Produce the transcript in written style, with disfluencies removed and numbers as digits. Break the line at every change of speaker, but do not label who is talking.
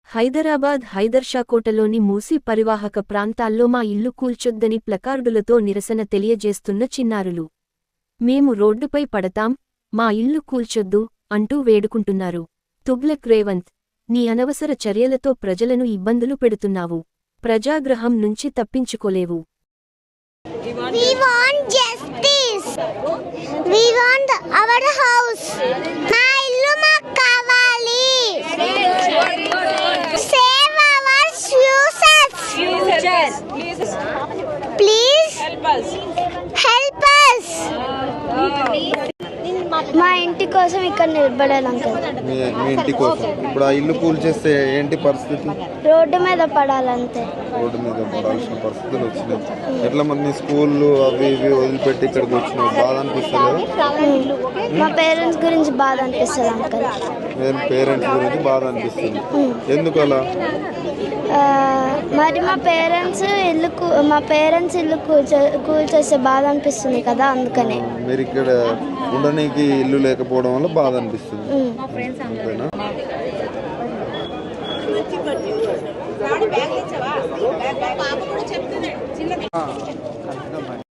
హైదరాబాద్ హైదర్షాకోటలోని మూసీ పరివాహక ప్రాంతాల్లో మా ఇల్లు కూల్చొద్దని ప్లకార్డులతో నిరసన తెలియజేస్తున్న చిన్నారులు. మేము రోడ్డుపై పడతాం, మా ఇల్లు కూల్చొద్దు అంటూ వేడుకుంటున్నారు. తుగ్లక్ రేవంత్, నీ అనవసర చర్యలతో ప్రజలను ఇబ్బందులు పెడుతున్నావు. ప్రజాగ్రహం నుంచి తప్పించుకోలేవు.
We want justice. We want our house. మా ఇల్లు మాకు కావాలి. Save our futures. Please help us. మా ఇంటి కోసం ఇక్కడ నిలబడాలి అంకుల్.
మీ ఇంటి కోసం ఇప్పుడు ఆ ఇల్లు కూల్చేస్తే ఏంటి పరిస్థితి?
రోడ్డు మీద పడాలంతే.
రోడ్డు మీద పడాల్సిన పరిస్థితులు వచ్చినాయి. ఎట్లా మంది స్కూళ్ళు అవి ఇవి వదిలిపెట్టి ఇక్కడికి వచ్చినాయి, బాధ అనిపిస్తుంది.
మా పేరెంట్స్ గురించి బాధ అనిపిస్తుంది అంకుల్.
పేరెంట్స్ గురించి బాధ అనిపిస్తుంది. ఎందుకు అలా?
మరి మా పేరెంట్స్ ఇల్లు కూల్చేస్తే బాధ అనిపిస్తుంది కదా, అందుకనే.
మీరు ఇక్కడ ఉండడానికి ఇల్లు లేకపోవడం వల్ల బాధ అనిపిస్తుంది, అంతేనా?